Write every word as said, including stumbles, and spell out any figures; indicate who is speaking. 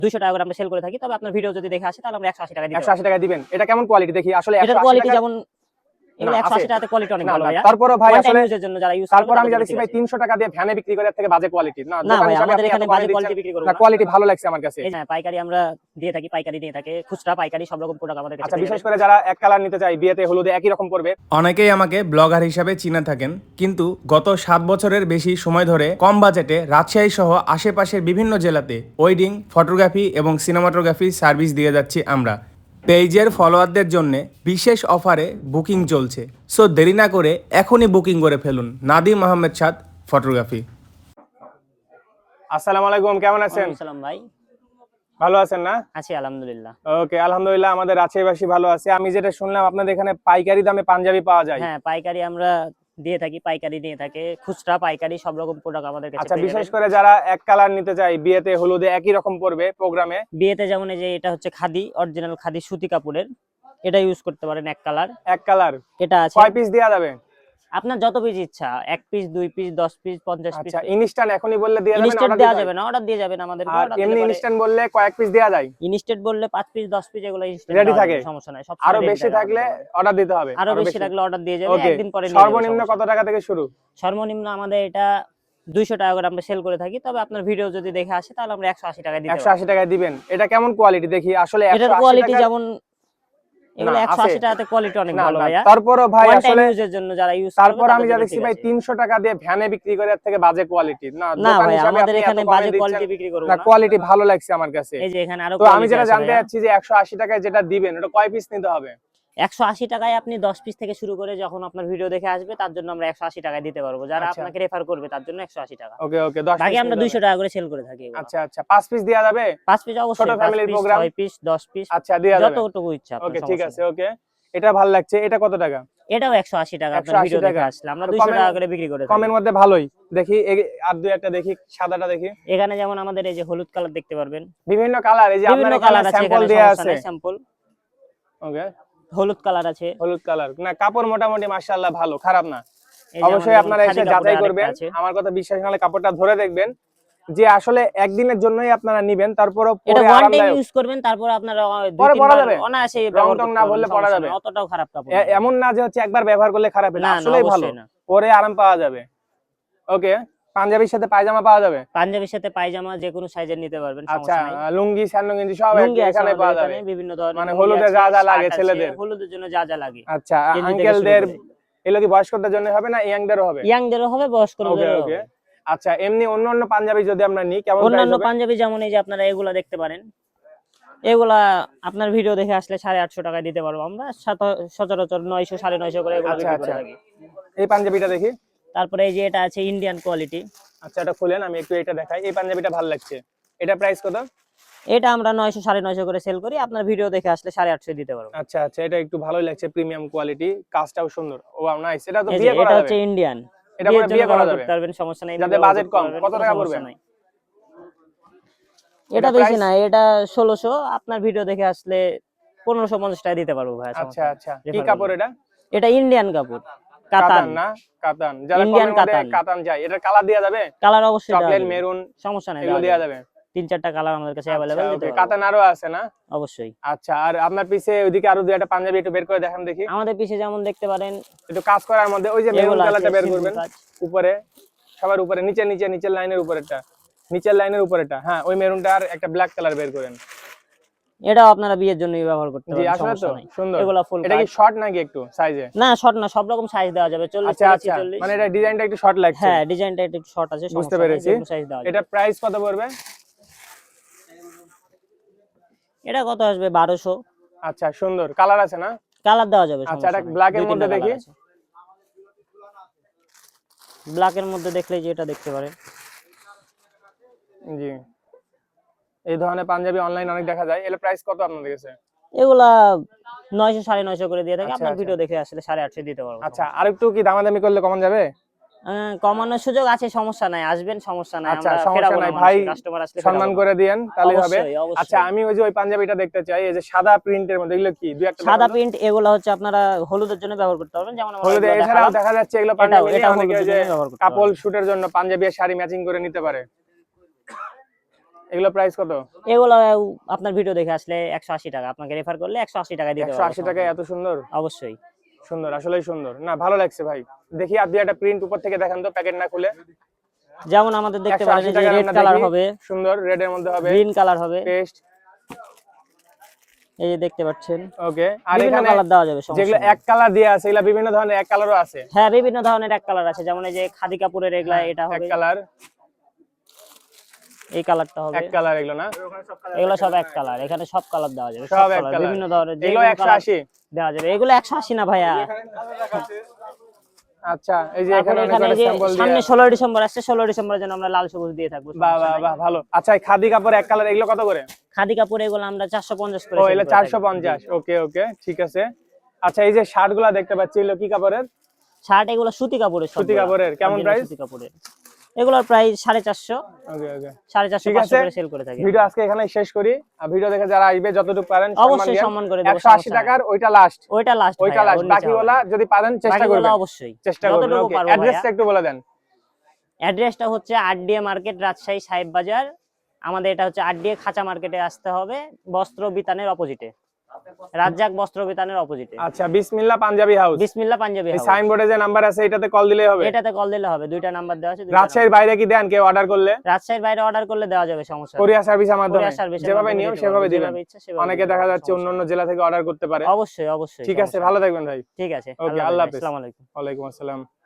Speaker 1: দুইশো টাকা করে আমরা সেল করে থাকি। তবে আপনার ভিডিও যদি দেখে আসে তাহলে আমরা একশো আশি টাকা দিই।
Speaker 2: একশো আশি টাকা দিবেন। এটা কেমন কোয়ালিটি দেখি আসলে
Speaker 1: এটার কোয়ালিটি যেমন এগুলো একশো আশি টাকাতে কোয়ালিটি অনেক ভালো ভাইয়া।
Speaker 2: তারপরও ভাই আসলে
Speaker 1: ইউজের জন্য যারা ইউজ করে
Speaker 2: তারপর আমি দেখছি ভাই তিনশো টাকা দিয়ে ভ্যানে বিক্রি করে এর থেকে বাজে কোয়ালিটি না।
Speaker 1: না ভাই আমাদের এখানে বাজে কোয়ালিটি বিক্রি করব না।
Speaker 2: কোয়ালিটি ভালো লাগছে আমার কাছে।
Speaker 1: হ্যাঁ পাইকারি আমরা দিয়ে থাকি, পাইকারি দিয়ে থাকে, খুচরা পাইকারি সব রকম প্রোডাক্ট আমাদের কাছে।
Speaker 2: আচ্ছা বিশেষ করে যারা এক কালার নিতে চায় বিয়েতে হলুদে একই রকম পড়বে।
Speaker 3: অনেকেই আমাকে ব্লগার হিসাবে চিনে থাকেন, কিন্তু গত সাত বছরের বেশি সময় ধরে কম বাজেটে রাজশাহী সহ আশেপাশের বিভিন্ন জেলাতে ওয়েডিং ফটোগ্রাফি এবং সিনেমাটোগ্রাফি সার্ভিস দিয়ে যাচ্ছি আমরা। পেজের ফলোয়ারদের জন্য বিশেষ অফারে বুকিং চলছে, সো দেরি না করে এখনই বুকিং করে ফেলুন। নাদিম আহমেদ সাদ ফটোগ্রাফি।
Speaker 2: আসসালামু আলাইকুম, কেমন আছেন?
Speaker 1: আসসালাম ভাই,
Speaker 2: ভালো আছেন না?
Speaker 1: আছি আলহামদুলিল্লাহ।
Speaker 2: ওকে আলহামদুলিল্লাহ, আমাদের রাজশাহীবাসী ভালো আছে। আমি যেটা শুনলাম আপনাদের এখানে পাইকারি দামে পাঞ্জাবি পাওয়া যায়।
Speaker 1: হ্যাঁ পাইকারি আমরা দিয়ে থাকি, পাইকারি দিয়ে থাকে, খুচরা পাইকারি সব রকম প্রোডাক্ট আমাদের কাছে।
Speaker 2: আচ্ছা বিশেষ করে যারা এক কালার নিতে চায় বিয়েতে হলুদে একই রকম পড়বে প্রোগ্রামে,
Speaker 1: বিয়েতে যেমন এই যে এটা হচ্ছে খাদি, অরিজিনাল খাদি সুতি কাপড়ের, এটা ইউজ করতে পারেন এক কালার।
Speaker 2: এক কালার
Speaker 1: এটা আছে।
Speaker 2: কয় পিস দেয়া যাবে?
Speaker 1: আপনার যত পিস ইচ্ছা, এক পিস, দুই পিস, দশ পিস, পঞ্চাশ পিস।
Speaker 2: আচ্ছা ইনস্ট্যান্ট এখনই বললে দেয়া যাবে না?
Speaker 1: ইনস্ট্যান্ট দেয়া যাবে না, অর্ডার দিয়ে যাবেন আমাদের।
Speaker 2: আর এমনি ইনস্ট্যান্ট বললে কয়েক পিস দেয়া যায়?
Speaker 1: ইনস্ট্যান্ট বললে পাঁচ পিস, দশ পিস এগুলো ইনস্ট্যান্ট
Speaker 2: রেডি থাকে,
Speaker 1: সমস্যা নাই। সব
Speaker 2: আরো বেশি থাকলে অর্ডার দিতে হবে।
Speaker 1: আরো বেশি থাকলে অর্ডার দিয়ে যাবে, একদিন পরে।
Speaker 2: সর্বনিম্ন কত টাকা থেকে শুরু?
Speaker 1: সর্বনিম্ন আমাদের এটা দুইশো টাকা করে আমরা সেল করে থাকি। তবে আপনার ভিডিও যদি দেখে আসে তাহলে আমরা একশো আশি টাকা দিই।
Speaker 2: একশো আশি টাকা দিবেন। এটা কেমন কোয়ালিটি দেখি আসলে?
Speaker 1: এটার কোয়ালিটি যেমন এগুলো একশো আশি টাকাতে কোয়ালিটি অনেক ভালো ভাইয়া।
Speaker 2: তারপরও ভাই আসলে
Speaker 1: ইউজের জন্য যারা ইউজ করে,
Speaker 2: তারপর আমি যা দেখছি ভাই তিনশো টাকা দিয়ে ভ্যানে বিক্রি করে এর থেকে বাজে কোয়ালিটি না।
Speaker 1: না ভাই আমাদের এখানে বাজে কোয়ালিটি বিক্রি করব না,
Speaker 2: কোয়ালিটি ভালো লাগছে আমার কাছে।
Speaker 1: এই যে এখানে আরো
Speaker 2: তো আমি যেটা জানতে চাচ্ছি যে একশো আশি টাকায় যেটা দিবেন ওটা কয় পিস নিতে হবে?
Speaker 1: একশো আশি টাকায় আপনি দশ পিস থেকে শুরু করে যখন আপনার ভিডিও দেখে আসবে তার জন্য আমরা একশো আশি টাকায় দিতে পারবো। যারা আপনাকে রেফার করবে তার জন্য একশো আশি টাকা।
Speaker 2: ওকে ওকে, দশ
Speaker 1: বাকি আমরা দুইশো টাকা করে সেল করে থাকি।
Speaker 2: আচ্ছা আচ্ছা, পাঁচ পিস দেয়া যাবে?
Speaker 1: পাঁচ পিস অবশ্যই,
Speaker 2: ছোট ফ্যামিলির প্রোগ্রাম,
Speaker 1: ছয় পিস, দশ পিস,
Speaker 2: আচ্ছা দেয়া যাবে
Speaker 1: যতটুকু ইচ্ছা আপনার।
Speaker 2: ওকে ঠিক আছে। ওকে এটা ভালো লাগছে। এটা কত টাকা?
Speaker 1: এটাও একশো আশি টাকা। আপনার ভিডিও দেখে আসলে আমরা দুইশো টাকা করে বিক্রি করে থাকি।
Speaker 2: কমের মধ্যে ভালোই দেখি। আর দুই একটা দেখি, সাদাটা দেখি।
Speaker 1: এখানে যেমন আমাদের এই যে হলুদ কালার দেখতে পারবেন,
Speaker 2: বিভিন্ন কালার। এই যে আপনার কালার স্যাম্পল দেয়া আছে,
Speaker 1: স্যাম্পল।
Speaker 2: ওকে
Speaker 1: হলুদ কালার আছে,
Speaker 2: হলুদ কালার। না কাপড় মোটামুটি মাশাআল্লাহ ভালো, খারাপ না। অবশ্যই আপনারা এসে যাচাই করবেন। আমার কথা বিশ্বাস না হলে কাপড়টা ধরে দেখবেন যে আসলে একদিনের জন্যই আপনারা নেবেন। তারপরও পরে আরামদায়ক
Speaker 1: ইউজ করবেন, তারপর আপনারা
Speaker 2: দুই তিন বার অনায়াসে
Speaker 1: রং
Speaker 2: টং না বললে পরা যাবে।
Speaker 1: অতটাও খারাপ কাপড়
Speaker 2: এমন না যে হচ্ছে একবার ব্যবহার করলে খারাপ হবে, আসলেই ভালো, পরে আরাম পাওয়া যাবে। ওকে পাঞ্জাবির সাথে পায়জামা পাওয়া যাবে?
Speaker 1: পাঞ্জাবির সাথে পায়জামা যে কোনো সাইজের নিতে পারবেন।
Speaker 2: আচ্ছা লুঙ্গি স্যান্ডো গেঞ্জি সব এখানে পাওয়া যাবে,
Speaker 1: বিভিন্ন ধরনের।
Speaker 2: মানে হলুদে যা যা লাগে ছেলেদের,
Speaker 1: হলুদের জন্য যা যা লাগে।
Speaker 2: আচ্ছা আঙ্কেলদের এগুলো কি বয়স্কদের জন্য হবে না ইয়াংদেরও হবে?
Speaker 1: ইয়াংদেরও হবে, বয়স্কদেরও হবে।
Speaker 2: আচ্ছা এমনি অন্য অন্য পাঞ্জাবি যদি আমরা নিই কেমন?
Speaker 1: অন্যান্য পাঞ্জাবি যেমন এই যে আপনারা এগুলা দেখতে পারেন, এগুলা আপনার ভিডিও দেখে আসলে সাড়ে আটশো টাকায় দিতে পারবো আমরা। সচরাচর নয়শো সাড়ে নয়শো করে এগুলো বিক্রি করে থাকি।
Speaker 2: এই পাঞ্জাবিটা দেখি।
Speaker 1: তারপরে এই যে এটা আছে ইন্ডিয়ান কোয়ালিটি।
Speaker 2: আচ্ছা এটা খুলেন, আমি একটু এটা দেখাই। এই পাঞ্জাবিটা ভালো লাগছে। এটা প্রাইস কত?
Speaker 1: এটা আমরা নয়শো সাড়ে নয়শো করে সেল করি। আপনার ভিডিও দেখে আসলে সাড়ে আটশো দিতে পারবো।
Speaker 2: আচ্ছা আচ্ছা, এটা একটু ভালোই লাগছে, প্রিমিয়াম কোয়ালিটি, কাজটাও সুন্দর। Wow nice. এটা তো বিয়ে করা যাবে।
Speaker 1: এটা হচ্ছে ইন্ডিয়ান,
Speaker 2: এটা পরে বিয়ে করা যাবে,
Speaker 1: পারবেন, সমস্যা নাই।
Speaker 2: যাদের বাজেট কম। কত টাকা পড়বে?
Speaker 1: এটা বেশি না, এটা ষোলোশো। আপনার ভিডিও দেখে আসলে পনেরোশো পঞ্চাশ টাকা দিতে পারবো ভাই।
Speaker 2: আচ্ছা আচ্ছা, কি কাপড় এটা?
Speaker 1: এটা ইন্ডিয়ান কাপড়,
Speaker 2: কাতান না? কাতান, যারা ইন্ডিয়ান কাতান কাতান চাই, এটা কালার দেয়া যাবে?
Speaker 1: কালার অবশ্যই,
Speaker 2: চকলেট মেরুন
Speaker 1: সমস্যা নাই,
Speaker 2: এগুলো দেয়া যাবে।
Speaker 1: তিন চারটা কালার আমাদের কাছে अवेलेबल দিতে পারবো।
Speaker 2: কাতান আরো আছে না?
Speaker 1: অবশ্যই।
Speaker 2: আচ্ছা আর আপনার পিছে ওইদিকে আরো দুই একটা পাঞ্জাবি একটু বের করে দেখান দেখি।
Speaker 1: আমাদের পিছে যেমন দেখতে পারেন
Speaker 2: একটু কাজ করার মধ্যে ওই যে মেরুন কালারটা বের করবেন উপরে, সবার উপরে, নিচে নিচে নিচের লাইনের উপরেরটা, নিচের লাইনের উপরেরটা। হ্যাঁ ওই মেরুনটা আর একটা ব্ল্যাক কালার বের করেন।
Speaker 1: এটাও আপনারা বিয়ের জন্য ব্যবহার করতে পারেন।
Speaker 2: জি আসলে তো সুন্দর।
Speaker 1: এগুলা ফুল।
Speaker 2: এটা কি শর্ট নাকি একটু সাইজে?
Speaker 1: না শর্ট না, সব রকম সাইজ দেওয়া যাবে। চল্লিশ থেকে চল্লিশ।
Speaker 2: মানে এটা ডিজাইনটা একটু শর্ট লাগছে।
Speaker 1: হ্যাঁ ডিজাইনটা একটু শর্ট আছে,
Speaker 2: বুঝতে পেরেছি। এটা প্রাইস কত পড়বে? এটা
Speaker 1: কত আসবে? বারোশো।
Speaker 2: আচ্ছা সুন্দর কালার আছে না?
Speaker 1: কালার দেওয়া যাবে।
Speaker 2: আচ্ছা এটা ব্ল্যাক এর মধ্যে দেখি।
Speaker 1: ব্ল্যাক এর মধ্যে দেখলে যে এটা দেখতে পারেন।
Speaker 2: জি এই ধরনের পাঞ্জাবি অনলাইন অনেক দেখা যায়। এর প্রাইস কত আপনাদের কাছে?
Speaker 1: এগুলা নয়শো সাড়ে নয়শো করে দিয়ে থাকি। আপনার ভিডিও দেখে আসলে সাড়ে আটশো দিতে পারবো।
Speaker 2: আচ্ছা আর একটু কি দামাদামি করলে কমান যাবে?
Speaker 1: কমানোর সুযোগ আছে, সমস্যা নাই, আসবেন, সমস্যা নাই।
Speaker 2: আচ্ছা সমস্যা নাই ভাই, কাস্টমার আসলে সম্মান করে দেন তাহলে হবে। আচ্ছা আমি ওই যে ওই পাঞ্জাবিটা দেখতে চাই, এই যে সাদা প্রিন্টের মধ্যে, এগুলো কি? দুই একটা
Speaker 1: সাদা প্রিন্ট, এগুলো হচ্ছে আপনারা হলুদের জন্য ব্যবহার করতে পারবেন। যেমন
Speaker 2: হলুদে এছাড়াও দেখা যাচ্ছে এগুলো পাঞ্জাবি অনেকে যে কাপল শুটের জন্য পাঞ্জাবি আর শাড়ি ম্যাচিং করে নিতে পারে। এগুলো প্রাইস কত?
Speaker 1: এগুলো আপনার ভিডিও দেখে আসলে একশো আশি টাকা, আপনাকে রেফার করলে একশো আশি টাকা দিতে
Speaker 2: একশো আশি টাকায় এত সুন্দর?
Speaker 1: অবশ্যই
Speaker 2: সুন্দর, আসলেই সুন্দর, না ভালো লাগছে ভাই। দেখি আপনি একটা প্রিন্ট উপর থেকে দেখান তো, প্যাকেট না খুলে।
Speaker 1: যেমন আমাদের দেখতে পারেন যে
Speaker 2: টাকার
Speaker 1: রেড
Speaker 2: আমরা
Speaker 1: কালার
Speaker 2: দেখি,
Speaker 1: হবে,
Speaker 2: সুন্দর রেড এর মধ্যে হবে,
Speaker 1: গ্রিন কালার হবে,
Speaker 2: পেস্ট,
Speaker 1: এই যে দেখতে পাচ্ছেন।
Speaker 2: ওকে। আর
Speaker 1: বিভিন্ন
Speaker 2: এখানে
Speaker 1: কালার দেওয়া যাবে,
Speaker 2: যেগুলো এক কালার দেয়া আছে এগুলা বিভিন্ন ধরনের এক কালারও আছে?
Speaker 1: হ্যাঁ, বিভিন্ন ধরনের এক কালার আছে, যেমন এই যে খাদি কাপড়ের এগুলা, এটা
Speaker 2: এক
Speaker 1: হবে
Speaker 2: কালার,
Speaker 1: এই কালারটা হবে
Speaker 2: এক কালার এগুলো না?
Speaker 1: এগুলো সব এক কালার, এখানে সব কালার দেওয়া যাবে,
Speaker 2: সব এক
Speaker 1: কালার
Speaker 2: কালার,
Speaker 1: বিভিন্ন ধরনের।
Speaker 2: এগুলো একশো আশি
Speaker 1: দেওয়া যাবে, এগুলো একশো আশি না ভাইয়া।
Speaker 2: আচ্ছা, এই যে
Speaker 1: তারপরে
Speaker 2: এখানে
Speaker 1: এখানে
Speaker 2: অনেক
Speaker 1: যে
Speaker 2: স্যাম্পল দিয়ে,
Speaker 1: সামনে ষোলো ডিসেম্বর আসছে, ষোলো ডিসেম্বরের জন্য আমরা লাল সবুজ দিয়ে থাকবো।
Speaker 2: বাহ বাহ বাহ, ভালো। আচ্ছা, এই খাদি কাপড় এক কালার এগুলো কত করে?
Speaker 1: খাদি কাপড় এগুলো আমরা চারশো পঞ্চাশ করে
Speaker 2: ও,
Speaker 1: sell
Speaker 2: এগুলো
Speaker 1: করে থাকি।
Speaker 2: চারশো পঞ্চাশ, ওকে ওকে, ঠিক আছে। আচ্ছা, এই যে শার্ট গুলা দেখতে পাচ্ছি এগুলো কি কাপড়ের?
Speaker 1: শার্ট এগুলো সুতি কাপড়ের,
Speaker 2: সুতি কাপড়ের, কেমন প্রাইস?
Speaker 1: সুতি কাপড়ের এগুলোর প্রাইস সাড়ে চারশো,
Speaker 2: ওকে ওকে,
Speaker 1: সাড়ে চারশো
Speaker 2: ঠিক
Speaker 1: পাঁচশো
Speaker 2: আছে।
Speaker 1: করে সেল করে থাকি।
Speaker 2: ভিডিও আজকে এখানেই শেষ করি। আর ভিডিও দেখে যারা আসবে যতটুকু পারেন
Speaker 1: অবশ্যই সম্মান করে দেব।
Speaker 2: একশো আশি টাকার ওইটা লাস্ট,
Speaker 1: ওইটা লাস্ট,
Speaker 2: ওইটা লাস্ট, বাকিগুলা যদি পারেন চেষ্টা করবেন,
Speaker 1: অবশ্যই
Speaker 2: চেষ্টা করবেন।
Speaker 1: যতটুকু
Speaker 2: ওকে,
Speaker 1: পারবো।
Speaker 2: অ্যাড্রেসটা একটু বলে দেন।
Speaker 1: অ্যাড্রেসটা হচ্ছে আরডিএ মার্কেট, রাজশাহী সাহেব বাজার। আমাদের এটা হচ্ছে আরডিএ খাঁচা মার্কেটে আসতে হবে, বস্ত্র বিতানের অপোজিটে, রাজ্জাক বস্ত্র বিতানের অপোজিটে।
Speaker 2: আচ্ছা, বিসমিল্লাহ পাঞ্জাবি হাউস,
Speaker 1: বিসমিল্লাহ পাঞ্জাবি
Speaker 2: এই
Speaker 1: হাউস।
Speaker 2: সাইনবোর্ডে যে নাম্বার আছে এটাতে কল দিলেই হবে?
Speaker 1: এটাতে কল দিলে হবে, দুইটা নাম্বার দেওয়া আছে।
Speaker 2: রাজশাহীর বাইরে কি দেন কেউ অর্ডার করলে?
Speaker 1: রাজশাহীর বাইরে অর্ডার করলে দেওয়া যাবে, সমস্যা নেই।
Speaker 2: কোরিয়ার সার্ভিসের মাধ্যমে
Speaker 1: কোরিয়ার সার্ভিসের
Speaker 2: যেভাবে
Speaker 1: মাধ্যমে
Speaker 2: নিয়ম
Speaker 1: দিতে
Speaker 2: সেভাবে
Speaker 1: পারবো,
Speaker 2: দিবেন।
Speaker 1: যেভাবে ইচ্ছা সেভাবে
Speaker 2: অনেকে
Speaker 1: দিতে
Speaker 2: দেখা
Speaker 1: পারবো,
Speaker 2: যাচ্ছে
Speaker 1: সমস্যা
Speaker 2: অন্য অন্য জেলা থেকে অর্ডার করতে পারে।
Speaker 1: নেই। অবশ্যই অবশ্যই।
Speaker 2: ঠিক আছে, ভালো থাকবেন ভাই।
Speaker 1: ঠিক আছে,
Speaker 2: ওকে, আল্লাহ হাফেজ।
Speaker 1: আসসালামু আলাইকুম।
Speaker 2: ওয়ালাইকুম আসসালাম।